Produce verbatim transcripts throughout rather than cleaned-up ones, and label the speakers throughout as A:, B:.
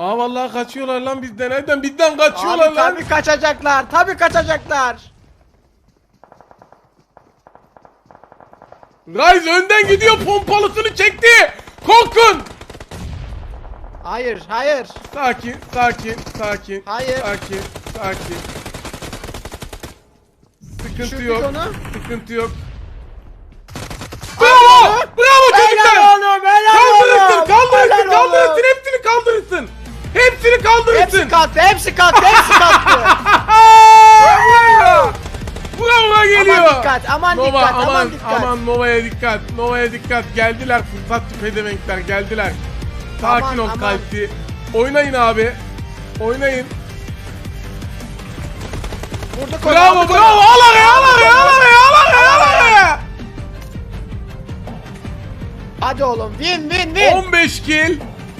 A: Aa vallahi kaçıyorlar lan bizden. Nereden bizden kaçıyorlar
B: Abi
A: lan?
B: tabii kaçacaklar. Tabii kaçacaklar.
A: Ryze önden gidiyor, pompalısını çekti. Korkun.
B: Hayır, hayır.
A: Sakin, sakin, sakin.
B: Hayır.
A: Sakin, sakin. Sıkıntı
B: Düşürdük
A: yok.
B: onu.
A: Sıkıntı yok. Bravo! Bravo çocuklar!
B: Helal oğlum, helal
A: Kaldırırsın,
B: oğlum.
A: kaldırırsın,
B: Helal
A: kaldırırsın,
B: oğlum.
A: hepsini kaldırırsın. Hepsini kaldırırsın.
B: Hepsi kattı, hepsi kattı, hepsi kattı.
A: Bravo geliyor.
B: Aman dikkat, aman
A: Nova,
B: dikkat,
A: aman,
B: aman dikkat.
A: aman Nova'ya dikkat. Nova'ya dikkat. Geldiler fırsatçı pedevenkler geldiler. Sakin
B: Aman,
A: ol
B: aman.
A: kalpti. Oynayın abi. Oynayın.
B: Vurduk onu,
A: Bravo,
B: aldık
A: bravo.
B: onu.
A: Al araya, al araya, al araya, al araya, al araya.
B: Hadi oğlum, win win win.
A: on beş kill.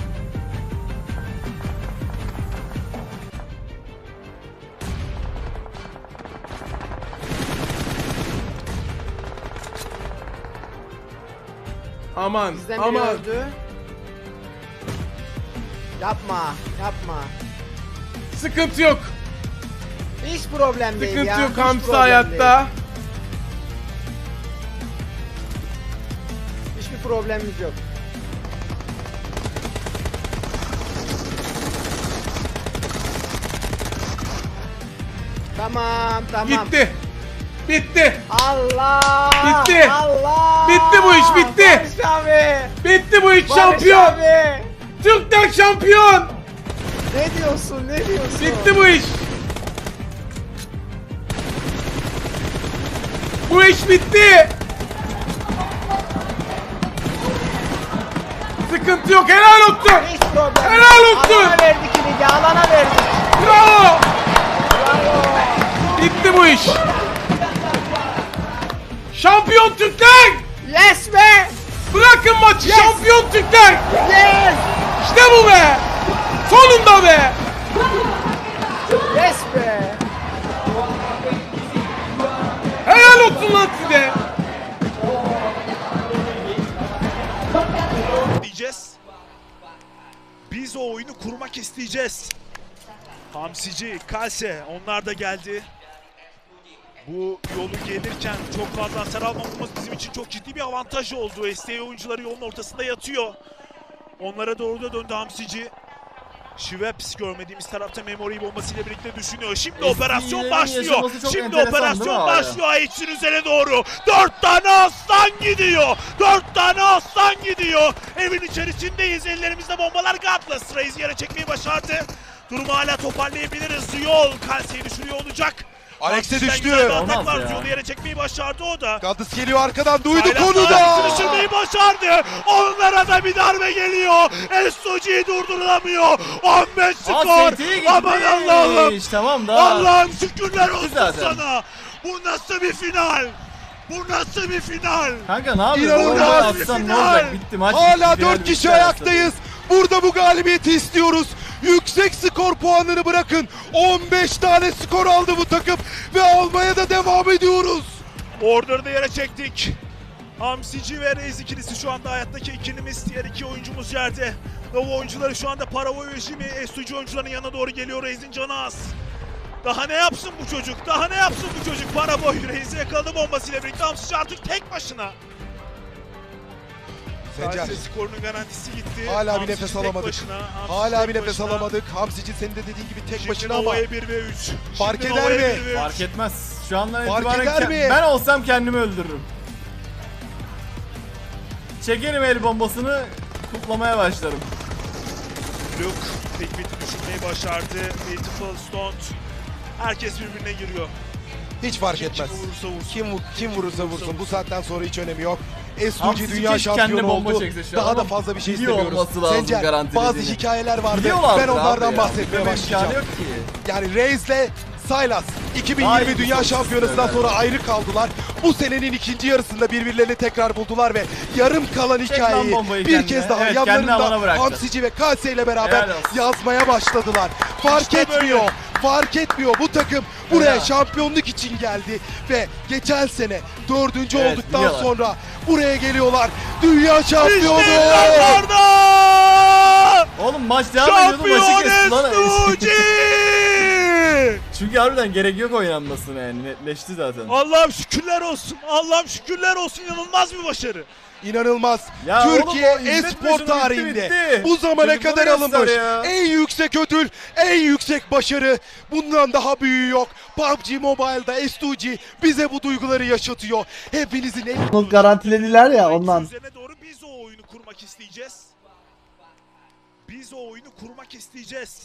A: Aman,
B: Bizden biri
A: aman.
B: öldü. Yapma, yapma.
A: Sıkıntı yok.
B: Hiç problem değil ya.
A: Sıkıntı yok,
B: hiç
A: hamsi
B: problem
A: hayatta.
B: değil. Hiçbir problemimiz yok. Tamam, tamam.
A: Gitti. Bitti.
B: Allah!
A: Bitti.
B: Allah!
A: Bitti bu iş, bitti.
B: Barış abi!
A: Bitti bu iş,
B: Barış
A: şampiyon.
B: abi!
A: Türkler şampiyon.
B: Ne diyorsun, ne diyorsun?
A: Bitti bu iş. Bu iş bitti. Sıkıntı yok, helal olsun.
B: Hiç problem yok.
A: Helal olsun.
B: Alana verdik ligi, alana verdik.
A: Bravo.
B: Bravo!
A: Bitti bu iş. Şampiyon Türkler.
B: Yes be!
A: Bırakın maçı,
B: Yes.
A: şampiyon Türkler.
B: Yes!
A: İşte bu be. Sonunda be.
B: Yes be!
A: Helal olsun lan size.
C: diyeceğiz. Biz o oyunu kurmak isteyeceğiz. Hamsici, Kalse onlar da geldi. Bu yolu gelirken çok fazla hasar almamamız bizim için çok ciddi bir avantaj oldu. S T A oyuncuları yolun ortasında yatıyor. Onlara doğru da döndü Hamsici. Schweppes görmediğimiz tarafta Memory bombasıyla birlikte düşünüyor. Şimdi operasyon başlıyor. Şimdi operasyon başlıyor Ayç'in üzerine doğru. Dört tane aslan gidiyor. Dört tane aslan gidiyor. Evin içerisindeyiz. Ellerimizde bombalar. Godless Raze'i yere çekmeyi başardı. Durumu hala toparlayabiliriz. Yol Kalse'yi düşürüyor olacak.
D: Alex'e
C: Hamsi'den
D: düştü.
C: güzel bir atak
E: Olmaz
C: var.
E: ya.
C: Yolu yere çekmeyi başardı o da.
D: Gaddis geliyor arkadan, duyduk
C: Hala
D: onu da.
C: Alex'i düşürmeyi başardı. Onlara da bir darbe geliyor. S O G durdurulamıyor. on beş skor. Aman Allah'ım.
E: Tamam da.
C: Allah'ım şükürler olsun
E: zaten.
C: sana. Bu nasıl bir final? Bu nasıl bir final?
E: Kanka ne yapıyorsun?
D: İnanılmaz
E: Bombayı
C: bir
E: atsan ne
C: final.
E: olacak? Bitti maç.
D: Hala
E: bitti, final
D: dört
E: bitti
D: kişi
E: arasında.
D: ayaktayız. Burada bu galibiyeti istiyoruz. Yüksek skor puanını bırakın. on beş tane skor aldı bu takım ve almaya da devam ediyoruz.
C: Order'ı da yere çektik. Hamsici ve Reis ikilisi şu anda hayattaki ikilimiz. Diğer iki oyuncumuz yerde. Nova oyuncuları şu anda Paravoy rejimi S O G oyuncuların yanına doğru geliyor. Reis'in canı az. Daha ne yapsın bu çocuk? Daha ne yapsın bu çocuk? Paravoy Reis'i yakaladı bombasıyla birlikte. Hamsici artık tek başına.
D: Sencer,
C: Kalse skorunun garantisi gitti.
D: hala bir
C: Hamsici
D: nefes
C: tek
D: alamadık.
C: başına, Hamsici
D: Hala
C: tek
D: bir nefes
C: başına.
D: alamadık. Hamsici senin de dediğin gibi tek
C: Şimdi
D: başına ama
C: Nova'ya bir ve üç.
D: Fark
C: Şimdi
D: eder
C: Nova'ya
D: mi?
C: bir ve üç.
E: Fark etmez. Şu andan
D: Fark
E: itibaren
D: eder
E: ke-
D: mi?
E: ben olsam kendimi öldürürüm. Çekerim el bombasını, kutlamaya başlarım.
C: Luke tek biti düşürmeyi başardı. Beautiful Stone. Herkes birbirine giriyor.
D: hiç fark
C: Kim
D: etmez.
C: kimi vurursa vursun.
D: Kim kim vurursa vursun bu saatten sonra hiç önemi yok. S O G
E: Hamsici
D: dünya
E: keşke
D: şampiyonu
E: kendine bomba
D: oldu.
E: çekse şu
D: Daha
E: an
D: da
E: ama
D: fazla bir şey
E: biliyor
D: istemiyoruz.
E: olması lazım
D: Sencer,
E: garantilediğini.
D: bazı hikayeler vardı.
E: Biliyorlardır
D: Ben onlardan
E: abi ya.
D: bahsetmeye
E: Bilmeme
D: başlayacağım.
E: imkanı yok ki.
D: Yani Reis'le Sylas iki bin
E: Daha
D: yirmi
E: iyi
D: Dünya
E: bir
D: Şampiyonası'ndan
E: sonuç
D: sonra ayrı kaldılar. Bu senenin ikinci yarısında birbirlerini tekrar buldular ve yarım kalan
E: Çek
D: hikayeyi
E: lan bombayı
D: bir
E: kendine.
D: kez daha
E: Evet, kendini alana
D: yanlarında
E: bıraktı.
D: Hamsici ve Kalse ile beraber
E: Helal olsun.
D: yazmaya başladılar. Fark
C: İşte böyle.
D: etmiyor. Fark etmiyor. Bu takım buraya
E: Helal.
D: şampiyonluk için geldi ve geçen sene dördüncü
E: Evet,
D: olduktan
E: biliyorlar.
D: sonra buraya geliyorlar. Dünya şampiyonu.
C: İşte yıllarda!
E: Oğlum maç devam ediyordu maçı
C: Şampiyon
E: kesti lan.
C: S two G!
E: Çünkü harbiden gerek yok oynanmasına yani netleşti zaten.
C: Allah'ım şükürler olsun. Allah'ım şükürler olsun. İnanılmaz bir başarı.
D: İnanılmaz.
E: Ya
D: Türkiye
E: oğlum o izletme
D: e-spor
E: şunu, bitti,
D: tarihinde
E: bitti.
D: bu zamana
E: Çocuklara
D: kadar
E: göster
D: alınmış
E: ya.
D: en yüksek ödül, en yüksek başarı. Bundan daha büyüğü yok. P U B G Mobile'da S two G bize bu duyguları yaşatıyor. Hepinizin en
F: Bunu garantilediler ya ondan.
C: Üzerine doğru biz o oyunu kurmak isteyeceğiz. Biz o oyunu kurmak isteyeceğiz.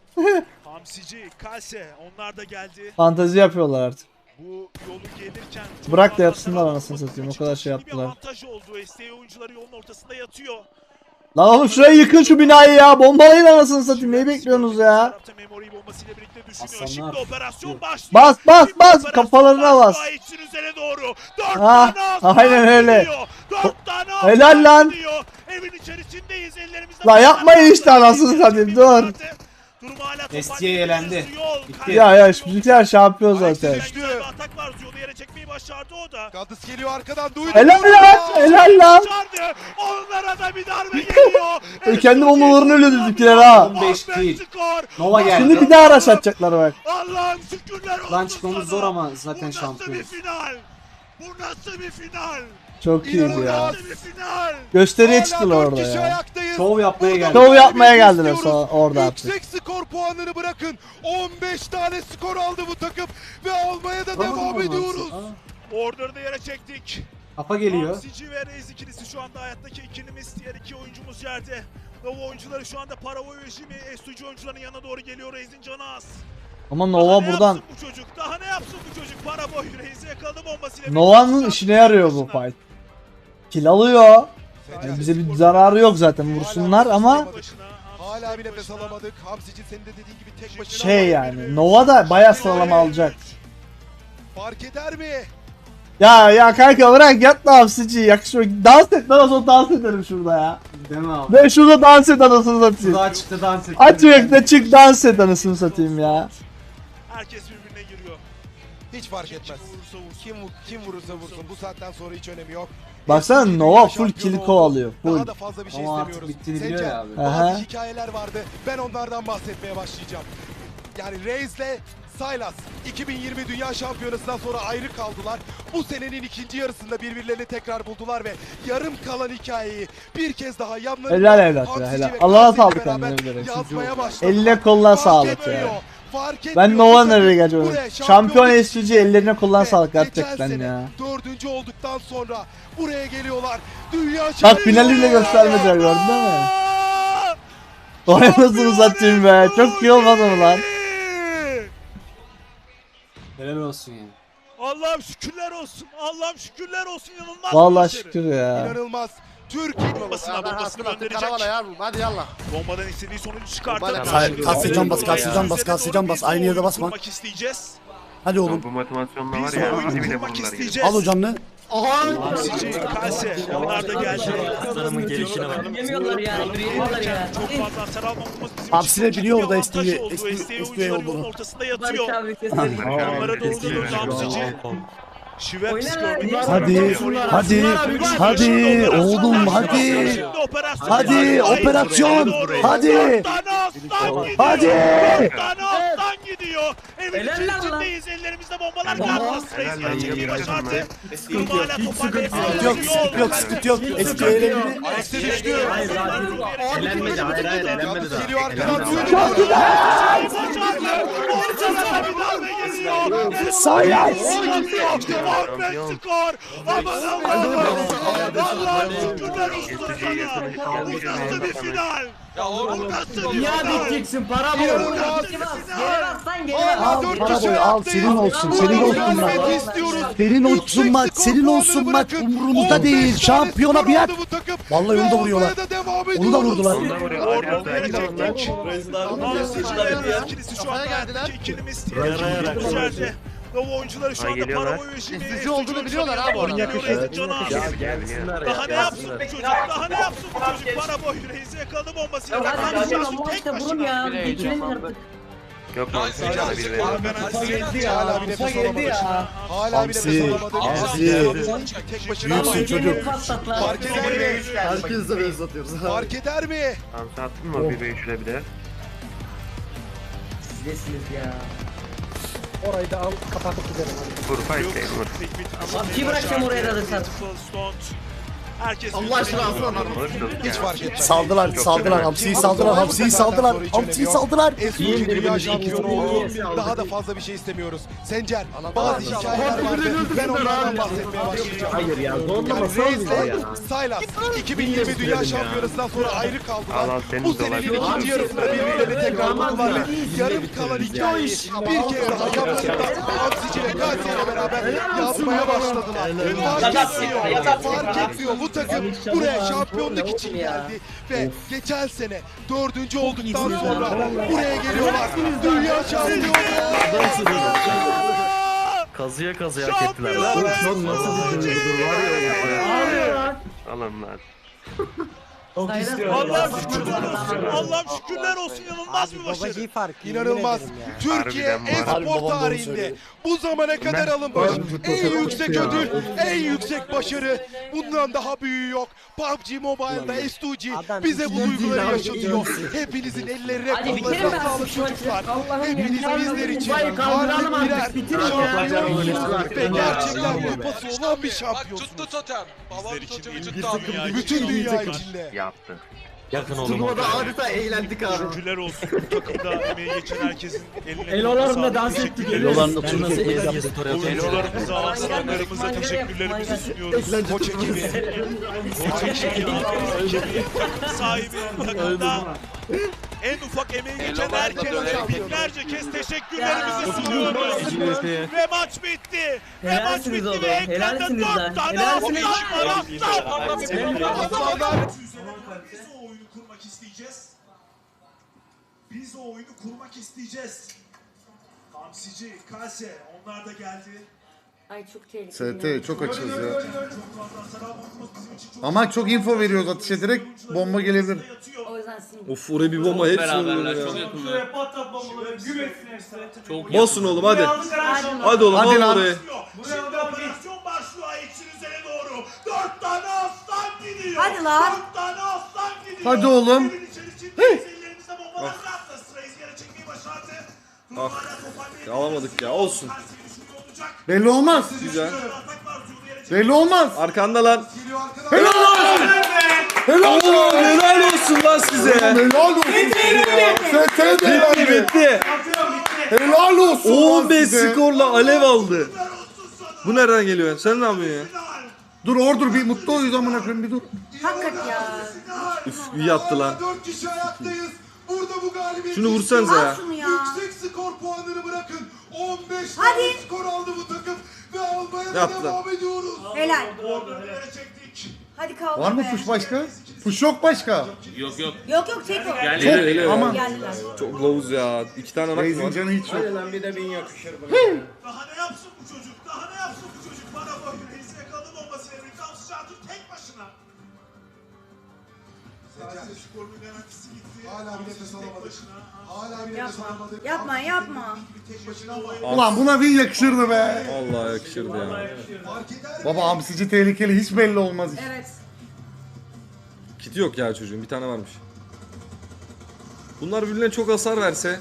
C: Hamsici, Kalse onlar da geldi.
F: Fantezi yapıyorlar artık.
C: Bu yolu gelirken çok
F: Bırak da
C: fazla
F: yapsınlar
C: taraf
F: anasını
C: olması
F: satayım, o
C: için
F: kadar şey
C: ciddi bir
F: yaptılar.
C: avantaj oldu. S T A oyuncuları yolun ortasında yatıyor.
F: Lan oğlum şurayı yıkın şu binayı ya. Bombalayın anasını satayım. Neyi bekliyorsunuz ya?
C: Tarafta Memory bombasıyla birlikte düşünüyor. Şimdi operasyon başlıyor.
F: Bas bas
C: Şimdi
F: bas
C: operasyon
F: kafalarına bas.
C: başlıyor. İçin üzerine doğru. Dört
F: Ha,
C: tane aslan
F: aynen öyle.
C: gidiyor. Dört tane aslan
F: Helal lan.
C: gidiyor. Evin içerisindeyiz. Ellerimizde
F: La yapmayın işte anasını satayım, dur.
C: Durum hala
G: S T'ye elendi. Bitti.
F: Ya ya şu bizimkiler şampiyon zaten.
D: düştü.
C: Güzel bir atak var. Ziyod'u yere çekmeyi başardı o da.
D: Gaddis geliyor arkadan duydu.
F: Helal lan helal lan.
C: Başardı. Onlara da bir darbe geliyor.
F: E, kendi bombalarını öyle bizimkiler ha.
G: on beş değil.
C: Skor.
G: Nova geldi.
F: Şimdi bir daha araç atacaklar bak.
C: Allah'ım şükürler olsun.
G: Lan çıkmamız
C: sana.
G: zor ama zaten
C: Bu nasıl bir
G: şampiyonuz.
C: final? Bu nasıl bir final?
F: Çok iyiydi
C: Bu
F: ya.
C: nasıl bir final?
F: Gösteriye
D: Hala
F: çıktılar
D: dört
F: orada
D: kişi
F: ya.
D: ayaktayız.
G: Şov yapmaya
D: Burada
G: geldi.
F: Şov yapmaya
D: galibiyet
F: geldiler
D: istiyoruz.
F: sonra orada artık.
D: Yüksek skor puanını bırakın. on beş tane skor aldı bu takım ve almaya da devam ediyoruz.
C: Order'da yere çektik.
G: Kafa geliyor.
C: Hamsici ve Reis ikilisi şu anda hayattaki ikilimiz. Diğer iki oyuncumuz yerde. Nova oyuncuları şu anda Paravoy rejimi S two G oyuncuların yanına doğru geliyor. Reis'in canı az.
F: Ama
C: Daha
F: Nova
C: ne
F: buradan.
C: yapsın bu çocuk? Daha ne yapsın bu çocuk? Paravoy Reis'i yakaladı bombasıyla.
F: Nova'nın işine yarıyor bu fight. Kill alıyor. Yani bize bir zararı yok zaten vursunlar ama
D: Hala bir nefes alamadık. Hamsici senin de dediğin gibi tek başına.
F: şey yani Nova da bayağı sıralama alacak.
D: Fark eder mi?
F: Ya ya kanka bırak yat da hapsici yakışıyor. Dans et lan o zaman dans ederim şurada ya.
G: Değil mi abi?
F: Ben şurada dans et anasını satayım.
G: Daha çıktı dans etti.
F: Aç yürekle çık dans et anasını satayım ya.
C: herkes birbirine giriyor.
D: Hiç fark
C: Kim
D: etmez.
C: vurursa vursun.
D: Kim kim vurursa vursun bu saatten sonra hiç önemi yok.
F: Baksana
D: Eski
F: Nova
D: dünya
F: full
D: şampiyonu
F: kill
D: oldu.
F: kovalıyor. Full.
D: Daha da fazla bir şey
G: Ama artık
D: istemiyoruz.
G: bittiğini biliyor
D: Sencer,
G: ya abi.
D: bazı
F: Aha.
D: hikayeler vardı. Ben onlardan bahsetmeye başlayacağım. Yani Reis'le Sylas iki bin yirmi Dünya Şampiyonası'ndan sonra ayrı kaldılar. Bu senenin ikinci yarısında birbirlerini tekrar buldular ve yarım kalan hikayeyi bir kez daha yanlarında
F: Helal evlat ya,
D: Hamsici
F: helal.
D: ve
F: Allah'a
D: Kalsi'yle
F: sağlık
D: beraber
F: kendine bilerek.
D: yazmaya başladılar.
F: Eline koluna
D: Fark
F: sağlık
D: etmiyor,
F: ya.
D: fark etmiyor.
F: Ben
D: Bu
F: Nova
D: takım
F: nereye geleceğim?
D: buraya
F: Şampiyon
D: şampiyonluk
F: S C ellerine koluna
D: ve
F: sağlık
D: geçen
F: gerçekten
D: sene
F: ya.
D: Dördüncü olduktan sonra buraya geliyorlar. Dünya
F: Bak
D: şampiyonu.
F: finali bile göstermediler gördün değil mi? Vay anasını satayım be. Çok iyi olmadı mı lan?
G: Helal olsun ya.
C: Allah'ım şükürler olsun. Allah'ım şükürler olsun. İnanılmaz bir
F: Vallahi
C: başarı.
F: şükür ya.
D: İnanılmaz. Türkiye
C: Bombasına bombasını gönderecek.
B: Hadi yallah.
C: Bombadan istediği sonucu çıkarttı.
B: Bombayla
C: Karşı-
B: kalsın, can bas, kalsın, can bas,
C: Üzerine
B: kalsın,
C: doğru
B: can bas.
C: biz o
B: Aynı yerde
C: oyunu
B: basma.
C: kurmak isteyeceğiz.
B: Hadi oğlum.
H: Bu motivasyonla var
C: Biz o
H: ya.
C: oyunu
H: Hadi bile
C: kurmak
H: bulurlar ya.
C: isteyeceğiz.
B: Al o canlı.
C: Hamsici, Kalse onlar da geldi.
I: Aslanımın gelişine bak. Yemiyorlar ya, yemiyorlar ya.
C: Çok fazla hasar almamamız bizim
B: Hamsi de
C: için
B: biliyor
C: ciddi bir
B: orada
C: avantaj
B: S T'yi
C: oldu.
B: S T
C: S T
B: olduğunu.
C: oyuncuları yolun ortasında yatıyor.
I: Barış abi keselim.
C: Onlara doğru
H: Kesin
C: dönüyoruz
H: ben.
C: Hamsici. Şivep
I: Oynarlar
C: gördük.
I: ya.
B: Hadi, hadi, hadi oğlum, hadi. Hadi, operasyon, hadi. Hadi.
C: Dört tane aslan gidiyor. Evin
I: Helal lan lan.
C: içerisindeyiz. Ellerimizde bombalar kaldı. Reis
H: Helal lan,
C: çekmeyi
H: iyi
C: başardı. Durum
G: yok.
C: hala toparlayıp
B: Yok, sıkıntı yok, sıkıntı yok. S T'ye elendi.
D: Eksi düştü.
I: Hayır, hayır. Elenmedi, hayır, hayır, elenmedi daha.
D: Geliyor arkadan
H: Helal
D: duydu.
H: Çok
B: Sayas.
C: Ahmet skor. Aman Allah'ım. Allah'ım şükürler olsun sana. Bu nasıl bir final? Bu nasıl bir
I: Ya
C: final?
I: biteceksin para bu.
D: İnanılmaz.
I: Geri bas, geri bas lan geri
D: Hala
I: bas.
D: dört
B: para
D: kişi
B: boyu, al,
D: ayaktayız.
B: senin olsun,
D: Bu
B: senin olsun
D: galibiyeti
B: maç.
D: istiyoruz.
B: Senin olsun
D: Yüksek
B: maç,
D: skor
B: senin olsun
D: puanını
B: maç.
D: bırakın.
B: Umurumuzda
D: on beş
B: değil.
D: tane
B: Şampiyona
D: skor
B: bir
D: aldı
B: yer.
D: bu takım.
B: Vallahi onu da
D: Ve
B: vuruyorlar.
D: almaya da devam
B: Onu da
D: ediyoruz.
B: vurdular.
H: Onu da vuruyor.
C: Orada yere çektik. Hamsici ve ikilisi şu anda hayattaki ikilimiz. Diğer ikilimiz içeride. Nova oyuncuları şu
H: Ay,
C: anda
H: geliyorlar.
C: Paravoy rejimi.
B: Ezici olduğunu biliyorlar abi orada.
C: Geliyor Reis'in canı az.
H: Gelsinler
C: Daha ne yapsın bu çocuk? Daha ne yapsın bu çocuk? Para boy Reis'i yakaladı bombasıyla.
I: Ya hadi
C: Karşı
I: hadi
C: karşı
I: Allah
C: tek
I: işte vurun
C: başına.
I: ya. Bitirelim artık.
D: Yok mu? Hala bir nefes alamadı. Hala bir nefes alamadı.
B: Hamsi.
D: Tek başına ama
B: Büyüksün çocuk.
D: fark eder mi?
E: Herkes de base atıyoruz.
D: Fark eder mi?
H: Hamsi attın mı bir beş şöyle bir de?
I: Sizsiniz ya.
D: Orayı da al kapatıp gidelim.
H: Vur fight değil vur.
I: Abi bırakacağım oraya alırsan.
C: Herkes
E: Allah aşkına alsana.
D: Hiç fark etmez.
B: Saldılar, saldılar. Hamsi'yi saldılar, Hamsi'yi saldılar. Hamsi'yi saldılar.
D: Eski dünya şampiyonu oldu. Daha da fazla bir şey istemiyoruz. Sencer, bazı hikayeler vardı. Ben onlardan bahsetmeye başlayacağım.
I: Hayır ya.
D: Yani
I: Zorlama
D: Reis'le Silas iki bin yirmi Dünya Şampiyonası'ndan sonra ayrı
H: Al
D: kaldılar.
H: al senin
D: Bu
H: de
D: senenin
H: olabilir.
D: ikinci yarısında birbirlerini tekrar buldular ve yarım kalan hikayeyi bir kez daha yaptıklarında Hamsici ve Gazi ile beraber yazmaya başladılar. Fark etmiyor, fark etmiyor. Bu takım buraya şampiyonluk için geldi ve geçen sene dördüncü olduktan sonra buraya geliyorlar. Dünya şampiyonu.
H: Kazıya kazıya hak ettiler. Nasıl nasıl bir duygudur var ya. Alın lan.
C: Allah'ım şükürler olsun. Allah'ım şükürler olsun. İnanılmaz bir başarı.
D: İnanılmaz. Türkiye
H: Harbiden var.
D: e-spor tarihinde bu zamana kadar alınmış en yüksek ödül, en yüksek başarı. Bundan daha büyüğü yok. P U B G Mobile'da S iki G bize bu duyguları yaşatıyor. Hepinizin ellerine
I: Hadi bitirelim
D: kollarına
I: artık
D: sağlık
I: şu maçı.
D: çocuklar.
I: Allah'ım
D: Hepiniz
I: ya.
D: bizler için
I: Kupayı kaldıralım
D: harbi
I: artık,
D: birer
I: bitirin ya.
D: şampiyonsunuz ve gerçekten kupası olan bir
J: Tuttu
D: şampiyonsunuz.
J: totem. Babam totemi tuttu abi.
D: Bütün dünya içinde.
H: Yaptı.
E: Yakın oğlum. Turnuvada adeta eğlendik abi.
C: Şükürler olsun. Bu takımda emeği geçen herkesin eline
I: Elolarımla dans ettik.
B: Elolarında turnuvası
C: Oyuncularımıza, aslanlarımıza teşekkürlerimizi sunuyoruz.
D: Koç ekibi.
C: Koç ekibi, takım sahibi, takımda en ufak emeği geçen herkese binlerce kez teşekkürlerimizi sunuyoruz. Ve maç bitti. Ve maç
I: Helalsiniz
C: bitti
I: oğlum,
C: ve ekranda
I: helalsiniz lan,
C: dört tane
I: helalsiniz.
C: aslan var aslan.
K: Biz o oyunu kurmak isteyeceğiz. Biz o oyunu kurmak isteyeceğiz. Hamsici, Kase onlar da geldi.
L: Ay çok tehlikeli.
B: S T çok açız ya.
K: Çok fazla hasar almamız bizim için çok
B: Ama çok info veriyoruz atışa direkt bomba gelebilir.
K: yatıyor.
L: O yüzden sinir.
E: Of oraya bir bomba hepsi vuruyor ya.
K: Şuraya patlat bombaları, güm etsin hepsini.
E: Basın oğlum hadi.
L: Hadi.
E: Hadi oğlum
B: Hadi
E: al
B: lan.
E: oraya.
K: Şimdi operasyon başlıyor Ayçin üzerine doğru. Dört tane aslan gidiyor.
L: Hadi lan.
K: Dört tane aslan gidiyor.
B: Hadi oğlum.
K: Evin içerisindeyiz. Ellerimizde bombalar bıraktı. Sırayı yere çekmeyi başardı. Dur, hala toparlayabiliriz.
E: Alamadık ya, olsun.
K: Tersi düşünüyor olacak.
B: Belli olmaz.
E: Güzel.
K: Atak var, Zulu yere
B: Belli olmaz.
E: Arkanda lan.
B: Helal olsun. Helal olsun.
E: Helal olsun lan size.
B: Helal olsun. S T de
E: Bitti
B: yani.
E: bitti.
B: Helal olsun.
E: on beş
B: size.
E: skorla alev aldı. Bu nereden geliyor? Sen ne yapıyorsun ya?
B: Dur ordur bir mutlu oyuz amına koyayım bir dur.
L: Hakikat ya.
E: Üf iyi attı lan.
D: Dört kişi ayaktayız. Burada bu galibiyet.
E: Şunu vursanıza ya.
L: Al şunu ya.
D: Yüksek skor puanını bırakın. on beş
L: Hadi.
D: tane skor aldı bu takım ve almaya da
E: Yaptı.
D: devam ediyoruz.
L: Helal.
K: Nereye çektik?
L: Hadi kaldır
B: Var mı
L: be.
B: push başka? Push yok başka.
L: Yok yok çek o.
E: Hele hele.
B: Aman.
L: Geldiler.
E: Çok lows ya. İki tane nak
B: Reis'in
E: var.
B: canı hiç yok.
K: Daha ne yapsın bu çocuk? Daha ne yapsın bu çocuk? Bana bak. Reis'e yakaladı bombasıyla birlikte Hamsi Catur tek başına. Sadece skorunun garantisi gitti.
D: Hala bir nefes alamadık. Hala bir nefes
L: Yapma.
D: alamadık.
L: Yapma yapma.
K: Tek başına ama
B: Ulan buna win yakışırdı be.
E: Vallahi yakışırdı ya.
D: Fark eder mi?
B: Baba hamsici tehlikeli hiç belli olmaz.
L: Evet.
E: Kiti yok ya çocuğun. Bir tane varmış. Bunlar birbirine çok hasar verse.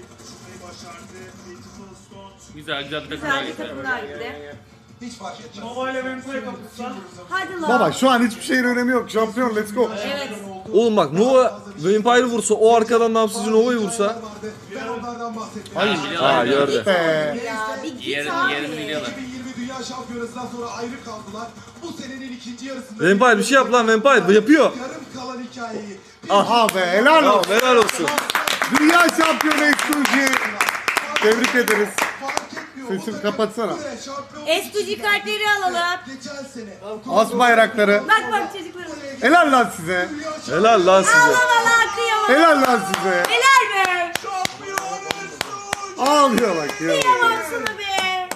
I: Güzel güzel bir takım.
L: Güzel bir takım daha gitti.
D: Hiç fark etmez.
K: Mobile Venko'ya kapatsan.
L: Hadi lan.
B: Baba şu an hiçbir şeyin önemi yok. Şampiyon let's go.
L: Evet.
E: Oğlum bak Nova Vampire vursa o arkadan Namsızcı Nova'yı vursa.
D: Ben onlardan bahsetmeye
E: Ha gördü.
B: Be.
L: Ya bir git abi.
D: iki bin yirmi Dünya Şampiyonası'ndan sonra ayrı kaldılar. Bu senenin ikinci yarısında
E: Vampire bir şey yap lan Vampire. Yapıyor.
D: yarım kalan hikayeyi
B: Aha be helal
E: Tamam
B: olsun.
E: helal olsun.
B: Dünya şampiyonu S iki G. Tebrik ederiz.
D: fark etmiyor.
B: Sesini kapatsana.
D: Buraya şampiyon
L: S iki G kartları alalım.
D: geçen sene
B: As bayrakları.
L: Bak bak çocuklarım.
B: Helal lan size.
E: Helal lan size.
L: Valla kıyamam.
B: Helal lan size.
L: Helal be.
B: Ağlıyor bak ya.
L: Kıyamam sana be.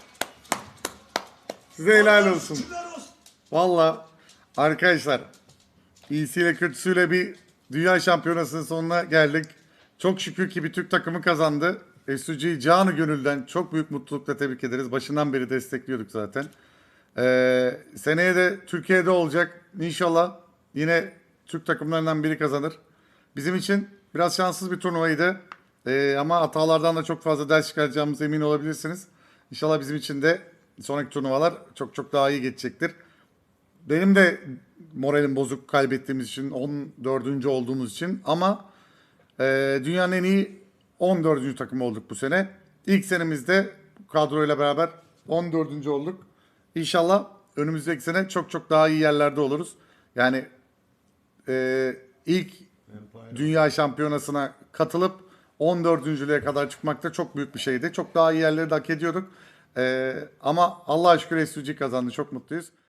B: Size helal olsun. Valla arkadaşlar iyisiyle kötüsüyle bir dünya şampiyonasının sonuna geldik. Çok şükür ki bir Türk takımı kazandı. S U G'yi canı gönülden çok büyük mutlulukla tebrik ederiz. Başından beri destekliyorduk zaten. Ee, seneye de Türkiye'de olacak. İnşallah yine Türk takımlarından biri kazanır. Bizim için biraz şanssız bir turnuvaydı. Ee, ama hatalardan da çok fazla ders çıkaracağımız emin olabilirsiniz. İnşallah bizim için de sonraki turnuvalar çok çok daha iyi geçecektir. Benim de moralim bozuk kaybettiğimiz için, on dördüncü olduğumuz için ama e, dünyanın en iyi on dördüncü takımı olduk bu sene. İlk senemizde bu kadroyla beraber on dördüncü olduk. İnşallah önümüzdeki sene çok çok daha iyi yerlerde oluruz. Yani e, ilk dünya şampiyonasına katılıp on dördüncülüğe kadar çıkmak da çok büyük bir şeydi. Çok daha iyi yerleri de hak ediyorduk. E, ama Allah'a şükür S U G kazandı. Çok mutluyuz.